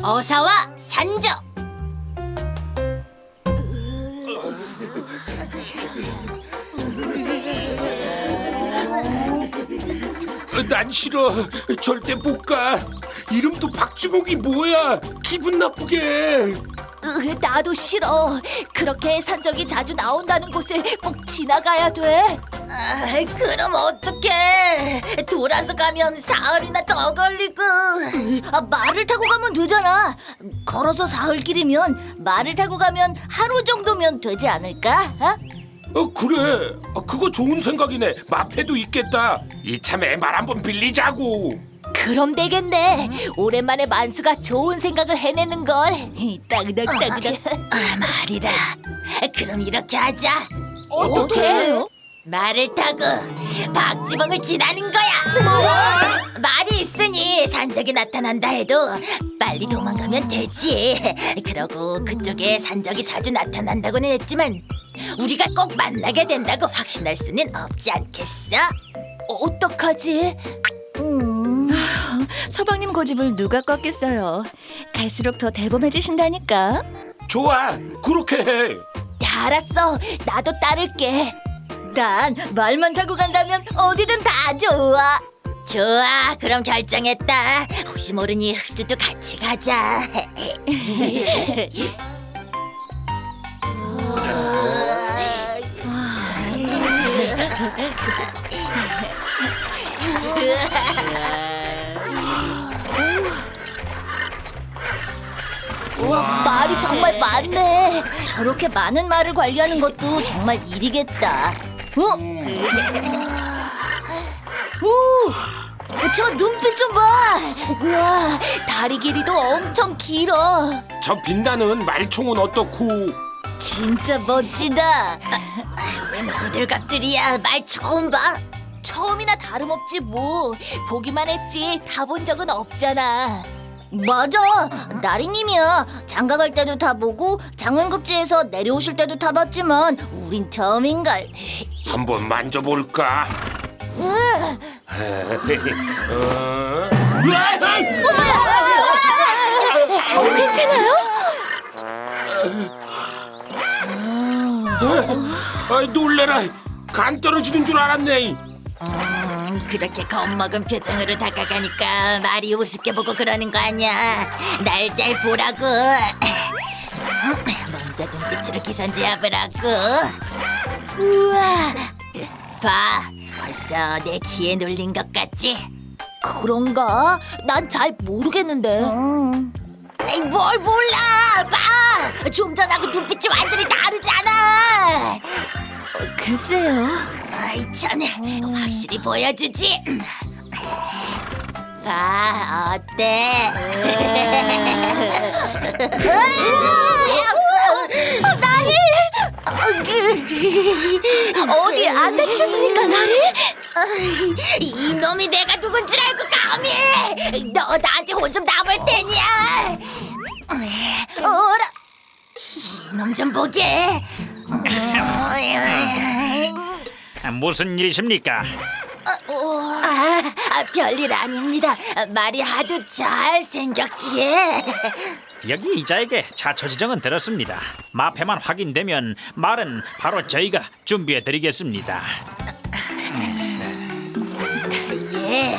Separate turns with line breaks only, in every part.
어사와 산적.
난 싫어. 절대 못 가. 이름도 박주목이 뭐야? 기분 나쁘게.
나도 싫어. 그렇게 산적이 자주 나온다는 곳을 꼭 지나가야 돼.
그럼 어떡해? 돌아서 가면 사흘이나 더 걸리고.
말을 타고 가면 되잖아. 걸어서 사흘길이면 말을 타고 가면 하루 정도면 되지 않을까?
그래. 그거 좋은 생각이네. 마패도 있겠다. 이참에 말 한번 빌리자고.
그럼 되겠네. 오랜만에 만수가 좋은 생각을 해내는 걸. 따그닥따그닥.
말이라. 그럼 이렇게 하자.
어떻게?
말을 타고 박지봉을 지나는 거야. 말이 있으니 산적이 나타난다 해도 빨리 도망가면 되지. 그러고 그쪽에 산적이 자주 나타난다고는 했지만 우리가 꼭 만나게 된다고 확신할 수는 없지 않겠어?
어떡하지? 서방님 고집을 누가 꺾겠어요. 갈수록 더 대범해지신다니까.
좋아. 그렇게 해.
알았어. 나도 따를게. 난 말만 타고 간다면 어디든 다 좋아.
좋아, 그럼 결정했다. 혹시 모르니 흑수도 같이 가자.
우와, 말이 정말 많네. 저렇게 많은 말을 관리하는 것도 정말 일이겠다. 오, 저 눈빛 좀 봐. 우와, 다리 길이도 엄청 길어.
저 빛나는 말총은 어떻고?
진짜 멋지다.
웬 호들갑들이야. 말 처음 봐.
처음이나 다름없지 뭐. 보기만 했지 다 본 적은 없잖아. 맞아. 나리님이야. 장가 갈 때도 타보고 장원급제에서 내려오실 때도 타봤지만 우린 처음인걸.
한번 만져볼까?
괜찮아요?
놀래라. 간 떨어지는 줄 알았네.
그렇게 겁먹은 표정으로 다가가니까 말이 우습게 보고 그러는 거 아니야. 날 잘 보라고. 먼저 눈빛으로 기선제압을 하고.
우와,
봐, 벌써 내 기에 눌린 것 같지?
그런가? 난 잘 모르겠는데.
에이, 뭘 몰라. 봐, 좀 전하고 눈빛이 완전히 다르잖아.
글쎄요.
아이 참, 확실히 보여주지. 봐, 어때?
나리! 어디 안 다치셨습니까, 나리?
이놈이 내가 누군 줄 알고 감히! 너 나한테 혼 좀 나볼 테냐? 어라, 이놈 좀 보게.
무슨 일이십니까?
별일 아닙니다. 말이 하도 잘 생겼기에.
여기 이자에게 자초 지정은 들었습니다. 마패만 확인되면 말은 바로 저희가 준비해드리겠습니다.
예.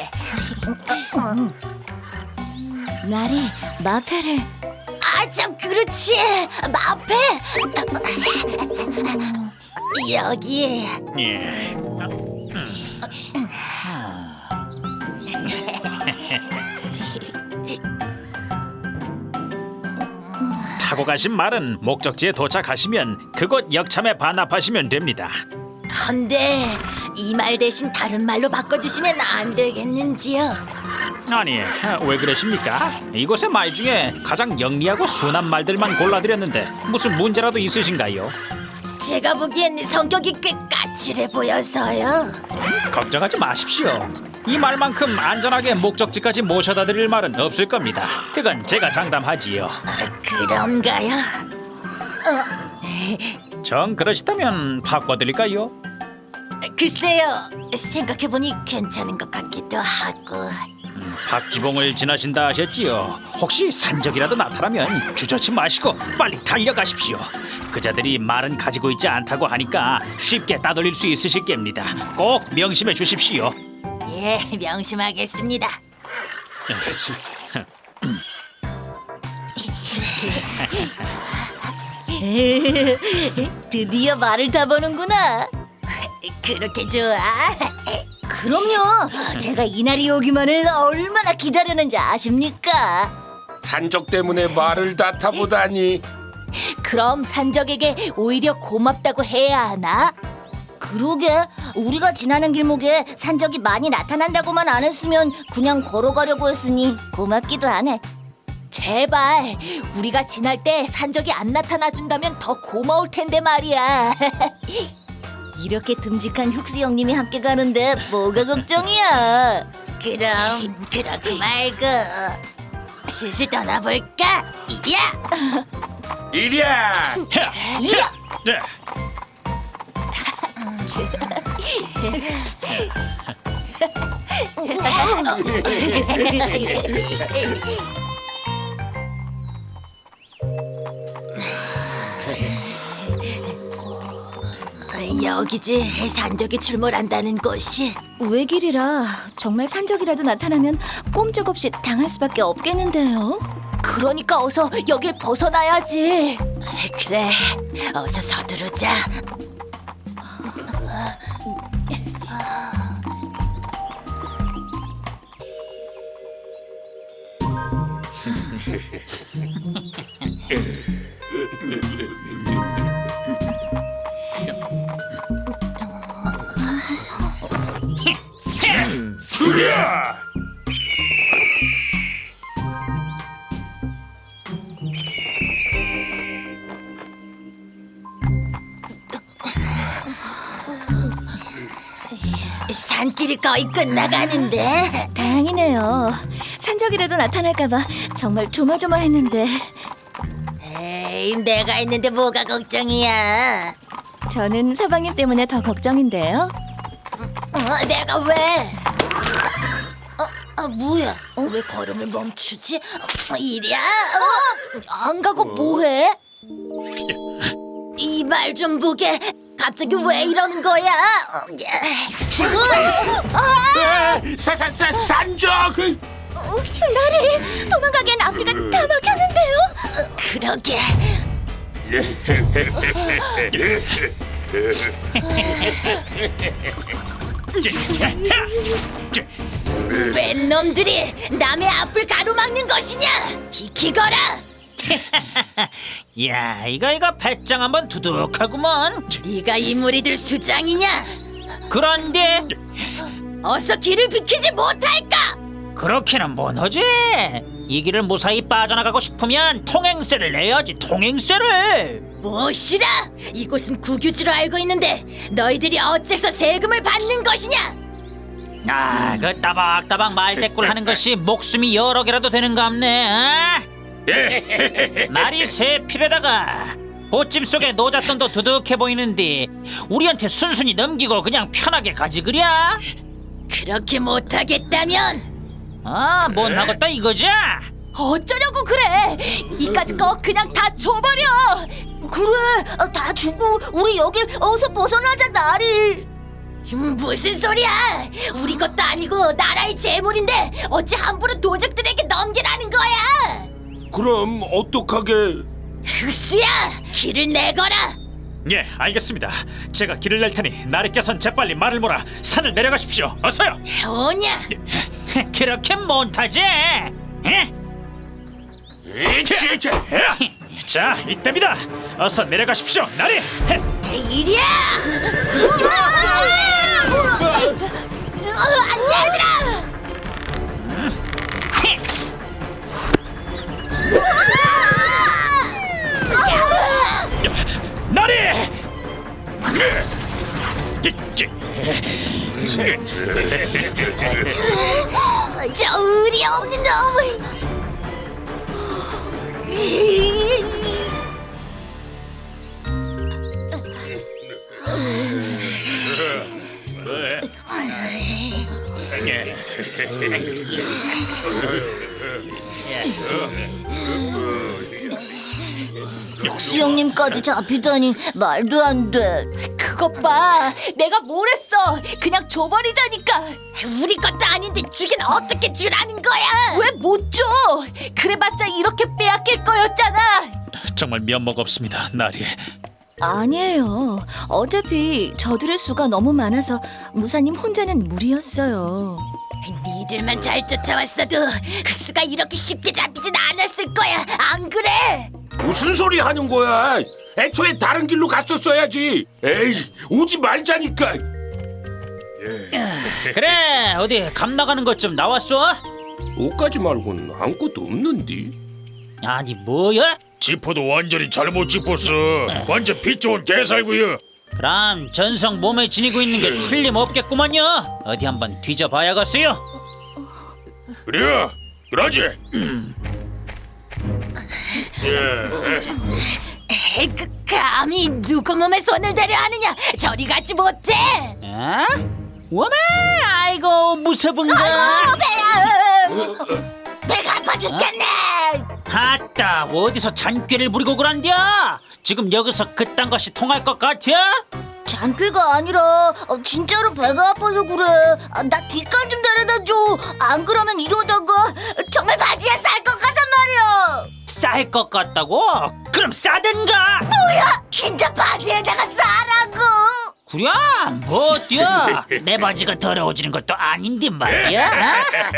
나리, 마패를.
참 그렇지. 마패. 여기.
예. 타고 가신 말은 목적지에 도착하시면 그곳 역참에 반납하시면 됩니다.
헌데 이 말 대신 다른 말로 바꿔주시면 안 되겠는지요?
아니, 왜 그러십니까? 이곳의 말 중에 가장 영리하고 순한 말들만 골라드렸는데 무슨 문제라도 있으신가요?
제가 보기엔 성격이 꽤 까칠해 보여서요.
걱정하지 마십시오. 이 말만큼 안전하게 목적지까지 모셔다 드릴 말은 없을 겁니다. 그건 제가 장담하지요.
그런가요?
정 그러시다면 바꿔드릴까요?
글쎄요, 생각해보니 괜찮은 것 같기도 하고.
박지봉을 지나신다 하셨지요. 혹시 산적이라도 나타나면 주저치 마시고 빨리 달려가십시오. 그자들이 말은 가지고 있지 않다고 하니까 쉽게 따돌릴 수 있으실 겁니다. 꼭 명심해 주십시오.
예, 명심하겠습니다.
드디어 말을 타보는구나.
그렇게 좋아?
그럼요. 제가 이날이 오기만을 얼마나 기다렸는지 아십니까?
산적 때문에 말을 다 타보다니.
그럼 산적에게 오히려 고맙다고 해야 하나? 그러게, 우리가 지나는 길목에 산적이 많이 나타난다고만 안 했으면 그냥 걸어가려고 했으니 고맙기도 하네. 제발 우리가 지날 때 산적이 안 나타나 준다면 더 고마울 텐데 말이야. 이렇게 듬직한 혁수 형님이 함께 가는데 뭐가 걱정이야?
그럼 그렇고 말고 슬슬 떠나볼까? 이리야!
이리야.
네.
여기지, 산적이 출몰한다는 곳이.
외길이라 정말 산적이라도 나타나면 꼼짝없이 당할 수밖에 없겠는데요. 그러니까 어서 여길 벗어나야지.
그래, 어서 서두르자.
죽여.
산길이 거의 끝나가는데.
다행이네요. 산적이라도 나타날까봐 정말 조마조마했는데.
에이, 내가 있는데 뭐가 걱정이야?
저는 서방님 때문에 더 걱정인데요.
내가 왜? 뭐야? 왜 걸음을 멈추지? 이리야?
안 가고 뭐해?
이 말 좀 보게. 갑자기 왜 이러는 거야?
산적.
나리, 도망가기엔 앞뒤가 다 막혔는데요.
그러게. 웬 놈들이 남의 앞을 가로막는 것이냐? 비키거라.
야, 이거 배짱 한번 두둑하구먼.
네가 이 무리들 수장이냐?
그런데
어서 길을 비키지 못할까?
그렇게는 못하지. 이 길을 무사히 빠져나가고 싶으면 통행세를 내야지. 통행세를.
무엇이라? 이곳은 국유지로 알고 있는데 너희들이 어째서 세금을 받는 것이냐?
아, 그 따박따박 말대꾸를 하는 것이 목숨이 여러 개라도 되는갑네. 어? 말이 새 필에다가 보찜 속에 노잣돈도 두둑해 보이는데 우리한테 순순히 넘기고 그냥 편하게 가지 그랴?
그렇게 못하겠다면
아, 못하겠다 이거지?
어쩌려고 그래? 이까짓 거 그냥 다 줘버려. 그래, 다 주고 우리 여길 어서 벗어나자, 나리.
무슨 소리야? 우리 것도 아니고 나라의 재물인데 어찌 함부로 도적들에게 넘기라는 거야?
그럼 어떡하게?
흑수야, 길을 내거라.
예, 알겠습니다. 제가 길을 낼 테니 나리께선 재빨리 말을 몰아 산을 내려가십시오. 어서요.
오냐?
그렇게 못하지? 예? 자, 이때입니다. 어서 내려가십시오, 나리.
이리야! 얘들아!
나리!
저 의리 없는 놈을!
수영님까지 잡히다니 말도 안 돼.
그것 봐. 내가 뭘 했어. 그냥 줘버리자니까.
우리 것도 아닌데 주긴 어떻게 주라는 거야?
왜 못 줘? 그래봤자 이렇게 빼앗길 거였잖아.
정말 면목 없습니다, 나리.
아니에요. 어차피 저들의 수가 너무 많아서 무사님 혼자는 무리였어요.
니들만 잘 쫓아왔어도 흑수가 이렇게 쉽게 잡히진 않았을 거야. 안 그래?
무슨 소리 하는 거야? 애초에 다른 길로 갔었어야지. 에이, 오지 말자니까.
그래, 어디 감 나가는 것 좀 나왔어?
옷까지 말고는 아무것도 없는데.
아니 뭐야?
지퍼도 완전히 잘못 짚었어. 완전 피 좋은 개살구요.
그럼 전성 몸에 지니고 있는 게 틀림없겠구만요. 어디 한번 뒤져봐야겠어요.
그래, 그러지.
감히 누구 몸에 손을 대려 하느냐? 저리 가지 못해.
어? 워메, 아이고 무서운가?
배가 아파 죽겠네.
아따, 어디서 잔꾀를 부리고 그런겨? 지금 여기서 그딴 것이 통할 것 같아?
잔꾀가 아니라 진짜로 배가 아파서 그래. 나 뒷간 좀 데려다 줘. 안 그러면 이러다가 정말 바지에 쌀 것 같단 말이야.
쌀 것 같다고? 그럼 싸든가.
진짜 바지에다가 싸라고.
그래, 뭐 어때요? 내 바지가 더러워지는 것도 아닌데 말이야. 어?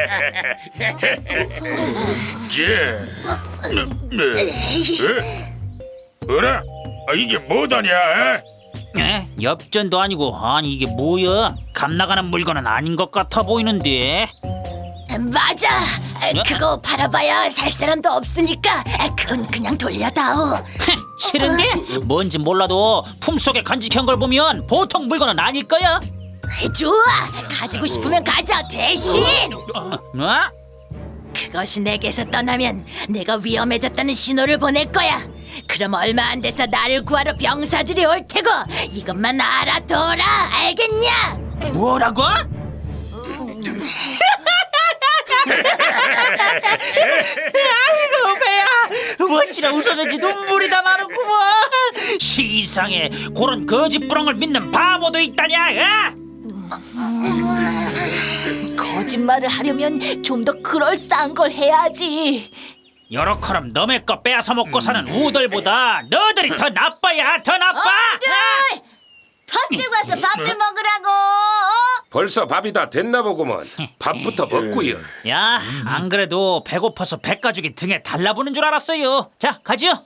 그래? 이게 뭐다냐?
에? 엽전도 아니고, 아니 이게 뭐야? 감 나가는 물건은 아닌 것 같아 보이는데.
맞아. 그거 팔아봐야 살 사람도 없으니까 그건 그냥 돌려다오.
싫은데? 뭔지 몰라도 품속에 간직한 걸 보면 보통 물건은 아닐 거야.
좋아. 가지고 싶으면 가져. 대신
어?
그것이 내게서 떠나면 내가 위험해졌다는 신호를 보낼 거야. 그럼 얼마 안 돼서 나를 구하러 병사들이 올 테고 이것만 알아둬라. 알겠냐?
뭐라고? 아이고 배야, 멋지라 웃어졌지 눈물이 다 나는구먼. 시상에 그런 거짓부렁을 믿는 바보도 있다냐?
거짓말을 하려면 좀 더 그럴싸한 걸 해야지.
여러커럼 너네 거 빼앗아 먹고 사는 우들보다 너들이 더 나빠야, 더 나빠.
밥 들고 와서 밥 좀 먹으라고.
벌써 밥이 다 됐나 보구먼. 밥부터 먹고요.
야, 안 그래도 배고파서 백가죽이 등에 달라붙는 줄 알았어요. 자, 가지요.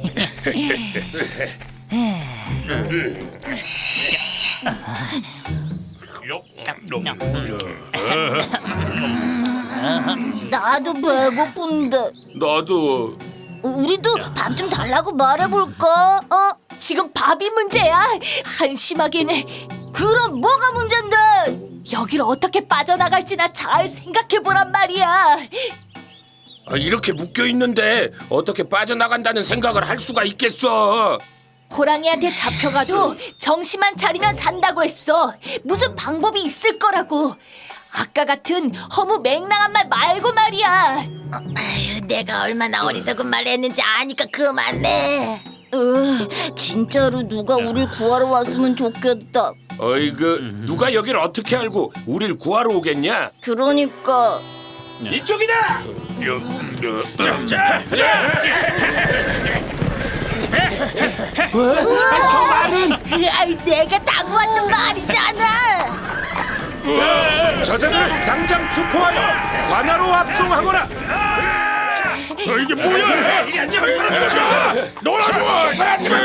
나도 배고픈데.
나도.
우리도 밥 좀 달라고 말해볼까?
지금 밥이 문제야. 한심하게는.
그럼 뭐가 문제인데?
여길 어떻게 빠져나갈지나 잘 생각해보란 말이야.
이렇게 묶여 있는데 어떻게 빠져나간다는 생각을 할 수가 있겠어?
호랑이한테 잡혀가도 정신만 차리면 산다고 했어. 무슨 방법이 있을 거라고. 아까 같은 허무 맹랑한 말 말고 말이야.
내가 얼마나 어리석은 말을 했는지 아니까 그만해.
진짜로 누가 우릴 구하러 왔으면 좋겠다.
어이구, 누가 여길 어떻게 알고 우릴 구하러 오겠냐?
그러니까.
이쪽이다! 저 말은
내가 당구 왔던 말이잖아.
저자들을 당장 추포하여 관하로 압송하거라.
이게 뭐야? 놀아줘!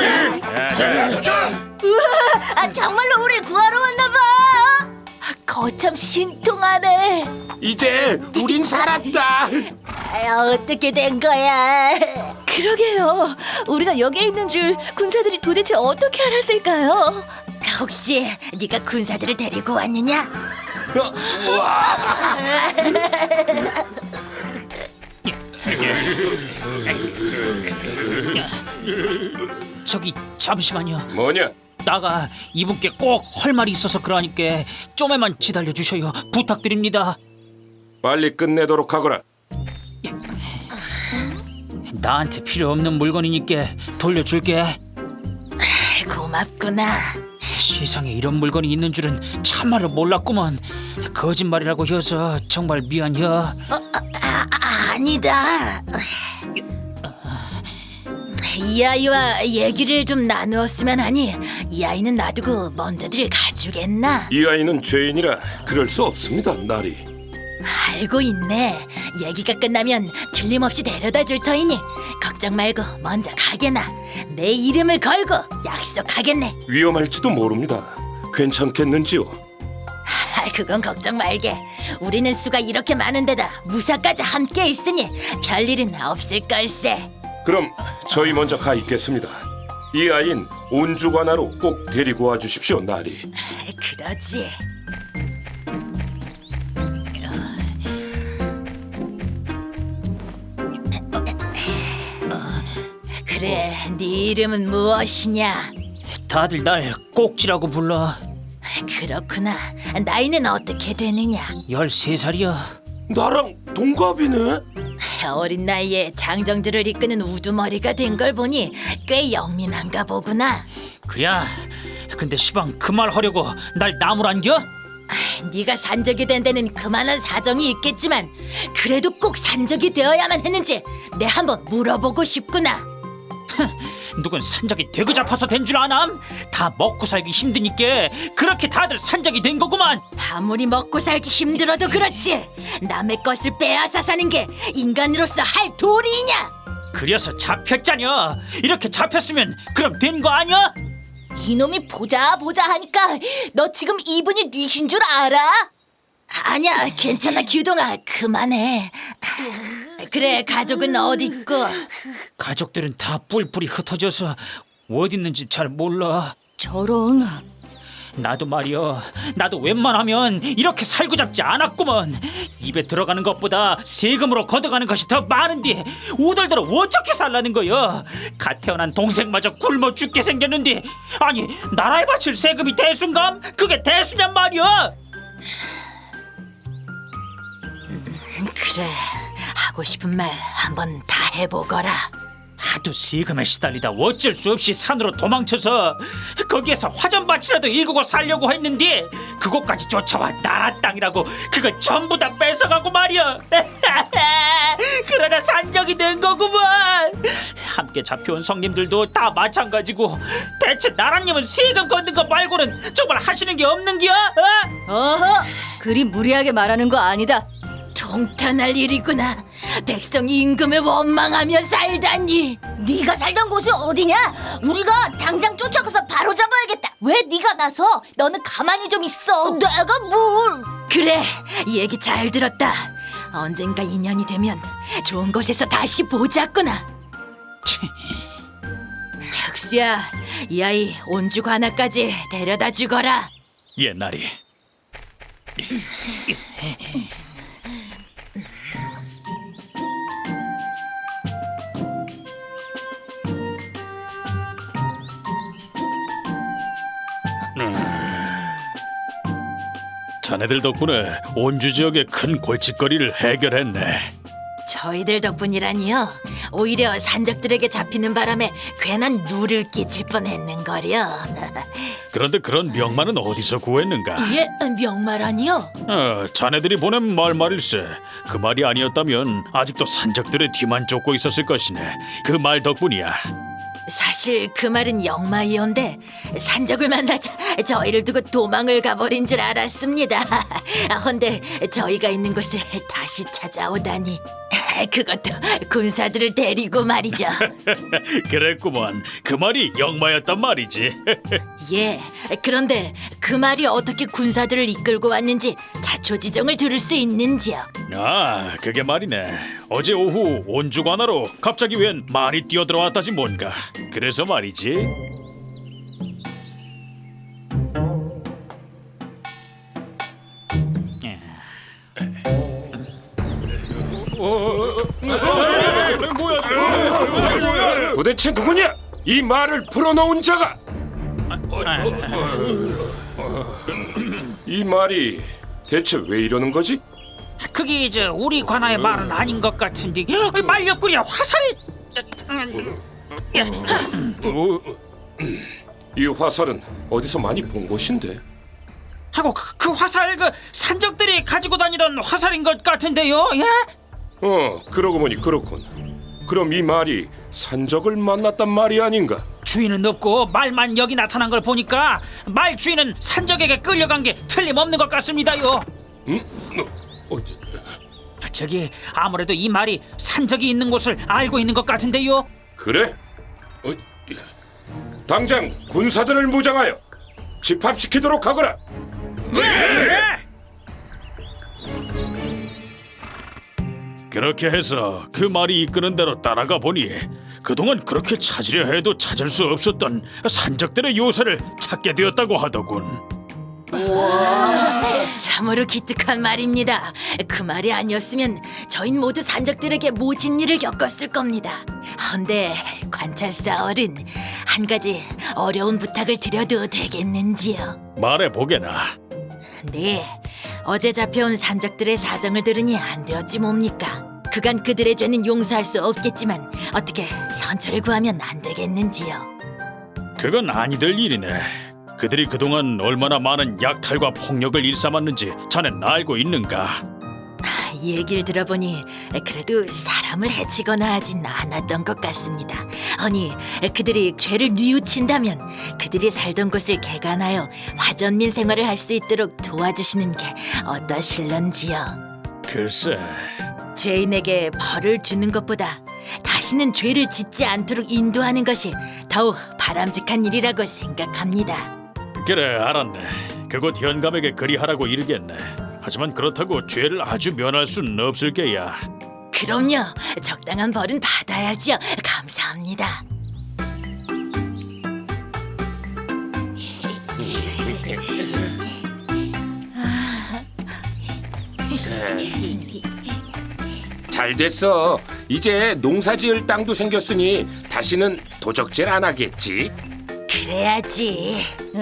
정말로 우릴 구하러 왔나 봐.
거참 신통하네.
이제 우린 살았다.
어떻게 된 거야?
그러게요. 우리가 여기에 있는 줄 군사들이 도대체 어떻게 알았을까요?
혹시 네가 군사들을 데리고 왔느냐?
저기 잠시만요.
뭐냐?
나가 이분께 꼭 할 말이 있어서 그러니까 좀에만 기다려 주셔요. 부탁드립니다.
빨리 끝내도록 하거라.
나한테 필요 없는 물건이니까 돌려줄게.
고맙구나.
세상에 이런 물건이 있는 줄은 참말로 몰랐구먼. 거짓말이라고 해서 정말 미안해.
아니다. 이 아이와 얘기를 좀 나누었으면 하니 이 아이는 놔두고 먼저들 가주겠나?
이 아이는 죄인이라 그럴 수 없습니다, 나리.
알고 있네. 얘기가 끝나면 틀림없이 데려다 줄 터이니 걱정 말고 먼저 가게나. 내 이름을 걸고 약속하겠네.
위험할지도 모릅니다. 괜찮겠는지요?
그건 걱정 말게. 우리는 수가 이렇게 많은데다 무사까지 함께 있으니 별일은 없을 걸세.
그럼 저희 먼저 가 있겠습니다. 이 아이는 온주관하로 꼭 데리고 와 주십시오, 나리.
그러지. 그래, 네 이름은 무엇이냐?
다들 날 꼭지라고 불러.
그렇구나. 나이는 어떻게 되느냐?
13살이야.
나랑 동갑이네?
어린 나이에 장정들을 이끄는 우두머리가 된 걸 보니 꽤 영민한가 보구나.
그래. 근데 시방 그 말 하려고 날 나무란겨?
네가 산적이 된 데는 그만한 사정이 있겠지만 그래도 꼭 산적이 되어야만 했는지 내 한번 물어보고 싶구나.
누군 산적이 되고 잡아서 된 줄 아남? 다 먹고 살기 힘드니까 그렇게 다들 산적이 된 거구만.
아무리 먹고 살기 힘들어도 그렇지 남의 것을 빼앗아 사는 게 인간으로서 할 도리이냐?
그래서 잡혔잖여. 이렇게 잡혔으면 그럼 된 거 아니야?
이놈이 보자 하니까 너 지금 이분이 뉘신 줄 알아?
아니야, 괜찮아 규동아, 그만해. 그래, 가족은 어디 있고?
가족들은 다 뿔뿔이 흩어져서 어디 있는지 잘 몰라.
저런.
나도 말이여, 나도 웬만하면 이렇게 살고 잡지 않았구먼. 입에 들어가는 것보다 세금으로 걷어가는 것이 더 많은데 오들더러 어떻게 살라는 거여? 갓 태어난 동생마저 굶어 죽게 생겼는데 아니 나라에 바칠 세금이 대수인감? 그게 대수냔 말이여.
그래, 하고 싶은 말 한번 다 해보거라.
하도 세금에 시달리다 어쩔 수 없이 산으로 도망쳐서 거기에서 화전밭이라도 일구고 살려고 했는데 그곳까지 쫓아와 나라 땅이라고 그거 전부 다 뺏어가고 말이야. 그러다 산적이 된 거구만. 함께 잡혀온 성님들도 다 마찬가지고 대체 나라님은 세금 걷는 거 말고는 정말 하시는 게 없는겨?
어허, 그리 무리하게 말하는 거 아니다.
통탄할 일이구나. 백성이 임금을 원망하며 살다니.
네가 살던 곳이 어디냐? 우리가 당장 쫓아가서 바로 잡아야겠다.
왜 네가 나서? 너는 가만히 좀 있어.
내가 뭘?
그래, 이 얘기 잘 들었다. 언젠가 인연이 되면 좋은 곳에서 다시 보자꾸나. 혁수야, 이 아이 온주 관아까지 데려다 주거라.
옛날이 자네들 덕분에 온주 지역의 큰 골칫거리를 해결했네.
저희들 덕분이라니요. 오히려 산적들에게 잡히는 바람에 괜한 누를 끼칠 뻔했는거려.
그런데 그런 명만은 어디서 구했는가?
예, 명마라니요?
자네들이 보낸 말일세. 그 말이 아니었다면 아직도 산적들의 뒤만 쫓고 있었을 것이네. 그 말 덕분이야.
사실 그 말은 영마이온데 산적을 만나자 저희를 두고 도망을 가버린 줄 알았습니다. 헌데 저희가 있는 곳을 다시 찾아오다니. 그것도 군사들을 데리고 말이죠.
그랬구먼. 그 말이 영마였단 말이지.
예, 그런데 그 말이 어떻게 군사들을 이끌고 왔는지 자초지종을 들을 수 있는지요?
아, 그게 말이네. 어제 오후 온주관하로 갑자기 웬 말이 뛰어들어왔다지 뭔가. 그래서 말이지.
도대체 누구냐? 이 말을 풀어놓은 자가! 이 말이 대체 왜 이러는 거지?
그게 이제 우리 관아의 말은 아닌 것 같은데 말렸구려 화살이.
이 화살은 어디서 많이 본 것인데?
하고 그 화살 그 산적들이 가지고 다니던 화살인 것 같은데요. 예?
그러고 보니 그렇군. 그럼 이 말이 산적을 만났단 말이 아닌가?
주인은 없고 말만 여기 나타난 걸 보니까 말 주인은 산적에게 끌려간 게 틀림없는 것 같습니다요. 저기 아무래도 이 말이 산적이 있는 곳을 알고 있는 것 같은데요.
그래? 당장 군사들을 무장하여 집합시키도록 하거라.
그렇게 해서 그 말이 이끄는 대로 따라가 보니 그동안 그렇게 찾으려 해도 찾을 수 없었던 산적들의 요새를 찾게 되었다고 하더군.
참으로 기특한 말입니다. 그 말이 아니었으면 저흰 모두 산적들에게 모진 일을 겪었을 겁니다. 헌데 관찰사 어른, 한 가지 어려운 부탁을 드려도 되겠는지요?
말해보게나.
네, 어제 잡혀온 산적들의 사정을 들으니 안 되었지 뭡니까? 그간 그들의 죄는 용서할 수 없겠지만 어떻게 선처를 구하면 안 되겠는지요?
그건 아니 될 일이네. 그들이 그동안 얼마나 많은 약탈과 폭력을 일삼았는지 자넨 알고 있는가?
얘기를 들어보니 그래도 사람을 해치거나 하진 않았던 것 같습니다. 아니, 그들이 죄를 뉘우친다면 그들이 살던 곳을 개간하여 화전민 생활을 할 수 있도록 도와주시는 게 어떠실런지요?
글쎄,
죄인에게 벌을 주는 것보다 다시는 죄를 짓지 않도록 인도하는 것이 더욱 바람직한 일이라고 생각합니다.
그래 알았네. 그곳 현감에게 그리하라고 이르겠네. 하지만 그렇다고 죄를 아주 면할 수는 없을 게야.
그럼요. 적당한 벌은 받아야지요. 감사합니다.
잘 됐어. 이제 농사지을 땅도 생겼으니 다시는 도적질 안 하겠지.
그래야지.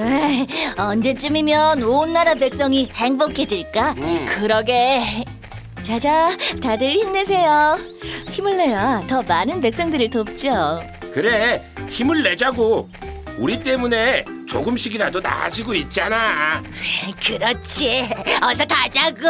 언제쯤이면 온 나라 백성이 행복해질까?
그러게. 자자, 다들 힘내세요. 힘을 내야 더 많은 백성들을 돕죠.
그래, 힘을 내자고. 우리 때문에 조금씩이라도 나아지고 있잖아.
그렇지. 어서 가자고.